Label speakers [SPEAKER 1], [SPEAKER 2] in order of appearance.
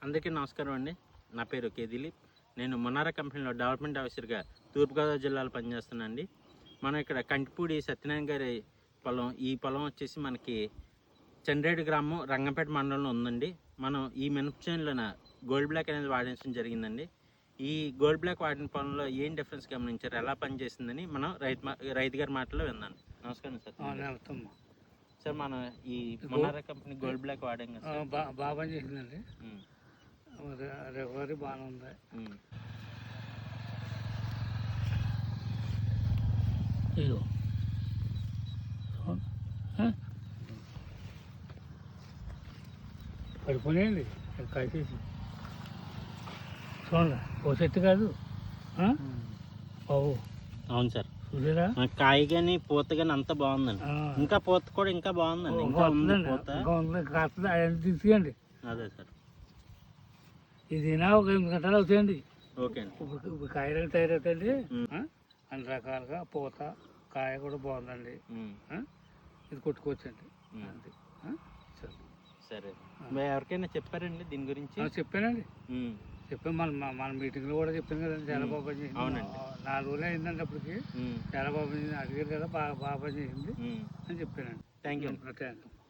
[SPEAKER 1] అందరికీ నమస్కారం అండి. నా పేరు కే దిలీప్. నేను మొనారా కంపెనీలో డెవలప్మెంట్ ఆఫీసర్గా తూర్పుగోదావరి జిల్లాలో పనిచేస్తున్నాను అండి. మనం ఇక్కడ కంటిపూడి సత్యనారాయణ గారి పొలం. ఈ పొలం వచ్చేసి మనకి చంద్రేడు గ్రామం రంగంపేట మండలంలో ఉందండి. మనం ఈ మినప చేనులోన గోల్డ్ బ్లాక్ అనేది వాడించడం జరిగిందండి. ఈ గోల్డ్ బ్లాక్ వాడిన పొలంలో ఏం డిఫరెన్స్ గమనించారు, ఎలా పనిచేసిందని మనం రైతు గారి మాటలో విన్నాను. నమస్కారం సార్. సార్ మనం ఈ మొనారా కంపెనీ గోల్డ్ బ్లాక్ వాడాం కదా,
[SPEAKER 2] బాగా పని చేసిందండి. రికవరీ బాగానే ఉంది. ఇదిగో పడిపోయాయండి కాసేసి చూడండి. ఓ చెట్టు కాదు బాబు.
[SPEAKER 1] అవును సార్,
[SPEAKER 2] చూసారా?
[SPEAKER 1] కాయ కానీ పూత కానీ అంతా బాగుందండి. ఇంకా పూత కూడా ఇంకా బాగుందండి. ఇంకా ఉంది పూత,
[SPEAKER 2] కాస్త తీసుకోండి.
[SPEAKER 1] అదే సార్,
[SPEAKER 2] ఇది ఒక 8 గంటలు అవుతాయండి.
[SPEAKER 1] ఓకే అండి.
[SPEAKER 2] ఇప్పుడు కాయలు తయారవుతాయండి. అన్ని రకాలుగా పూత కాయ కూడా బాగుందండి. ఇది కొట్టుకోవచ్చండి. అంతే.
[SPEAKER 1] సరే, ఎవరికైనా చెప్పారండి దీని గురించి?
[SPEAKER 2] చెప్పానండి, చెప్పాను. మన మీటింగ్లో కూడా చెప్పాను కదండి. చాలా బాగా పనిచేసింది.
[SPEAKER 1] అవునండి,
[SPEAKER 2] 4 రోజులు అయిందండి అప్పటికి. చాలా బాగా పనిచేసింది. అడిగారు కదా, బాగా పనిచేసింది అని చెప్పానండి.
[SPEAKER 1] Thank you.